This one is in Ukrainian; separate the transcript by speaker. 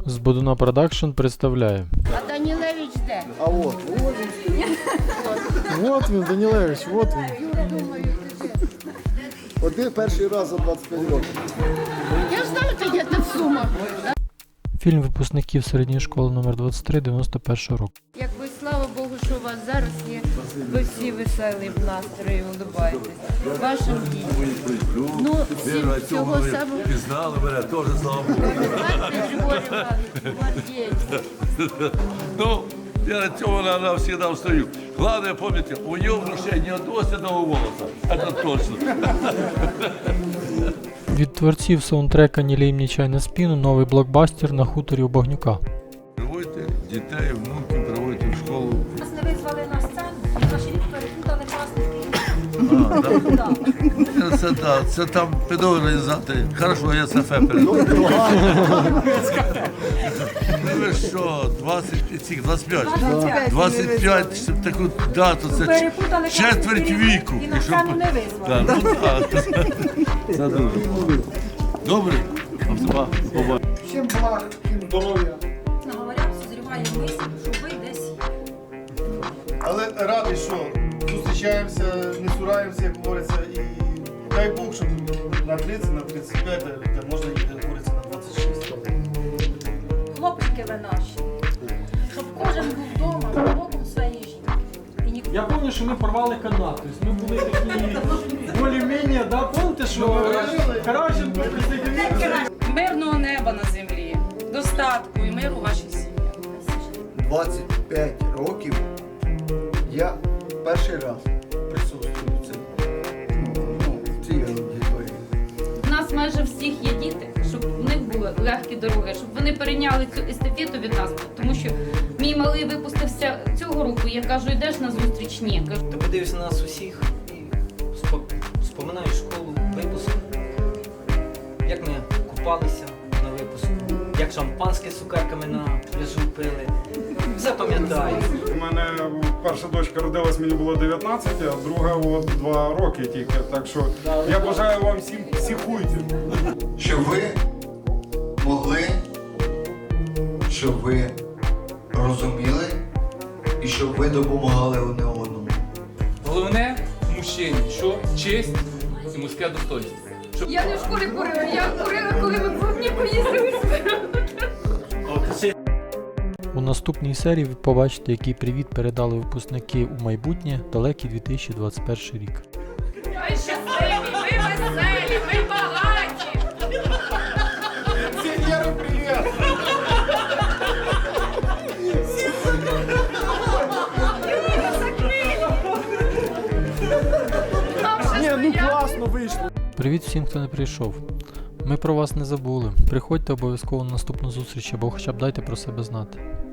Speaker 1: З Бодуна Продакшн представляє.
Speaker 2: А Данілевич де?
Speaker 3: А от.
Speaker 1: Вот він, Данілевич, вот він.
Speaker 3: Один перший раз за 25 років.
Speaker 2: Я ж знаю, ти где-то в Сумах.
Speaker 1: Фільм випускників середньої школи номер 23 91 року.
Speaker 2: Якби слава Богу, що у вас зараз є. Ви всі веселі в настрої, улыбаєтесь. Вашим дітям. Ну, всім всього самого.
Speaker 4: Пізнали мене, теж слава Богу.
Speaker 2: Григорій Іванович, молодець.
Speaker 4: Ну, я на цьому всегда встаю. Главное, помните, у него в душе ни одного седого волоса. Это точно.
Speaker 1: Від творців саундтрека «Ні лій, ні чай на спину» новий блокбастер на хуторі у Багнюка.
Speaker 4: Приводьте дітей, внуків, приводьте в школу.
Speaker 5: Нас не визвали на сцену, наші рік перепутали класники.
Speaker 4: Це так, це там педагоги-організатори. Хорошо, я це передав. Ви що, 25? 25, щоб таку дату, це
Speaker 5: Перепутали
Speaker 4: четверть віку.
Speaker 5: і на сцену не визвали.
Speaker 4: Так, ну так. Це дуже. Добре?
Speaker 3: Всім благ, всім здоров'я.
Speaker 5: Говорять, созріває мисль, що ви десь є.
Speaker 6: Але радий, що зустрічаємося, не цураємося, як говориться, і дай Бог, щоб на 30, на 35, де можна їх говориться на 26.
Speaker 5: Хлопчики ви наші. Щоб кожен був вдома, за боком своєї жінки. І ніхто.
Speaker 1: Я пам'ятаю, що ми порвали канат. Тобто ми були такі більш-менш, да? Пам'ятаєте, що Караченко присоединився?
Speaker 7: Мирного неба на землі, достатку і миру вашій сім'ї.
Speaker 3: 25 років я перший раз присутствую в цій аудиторії.
Speaker 8: У нас майже всіх є діти, щоб в них були легкі дороги, щоб вони перейняли цю естафету від нас, тому що мій малий випустився цього року, я кажу, йдеш на зустріч? Ні. Кажу,
Speaker 9: Ти подивишся на нас усіх і споминаєш школу, випуск, як ми купалися на випуску, як шампанське з цукерками на пляжу пили. Все пам'ятаю.
Speaker 10: У мене перша дочка родилась, мені було 19, а друга от 2 роки тільки. Так що я бажаю вам всім психуйте.
Speaker 3: Щоб ви могли, щоб ви розуміли і щоб ви допомагали одне одному.
Speaker 11: Головне в мужчині, що честь і мужське достоинство.
Speaker 8: я не в школі курила, я курила, коли ми по мені поїздили.
Speaker 1: У наступній серії ви побачите, який привіт передали випускники у майбутнє далекий 2021 рік.
Speaker 8: Ми щасливі, ми веселі, ми багаті.
Speaker 6: Пенсіонери, привіт!
Speaker 1: Привіт всім, хто не прийшов. Ми про вас не забули. Приходьте обов'язково на наступну зустріч або хоча б дайте про себе знати.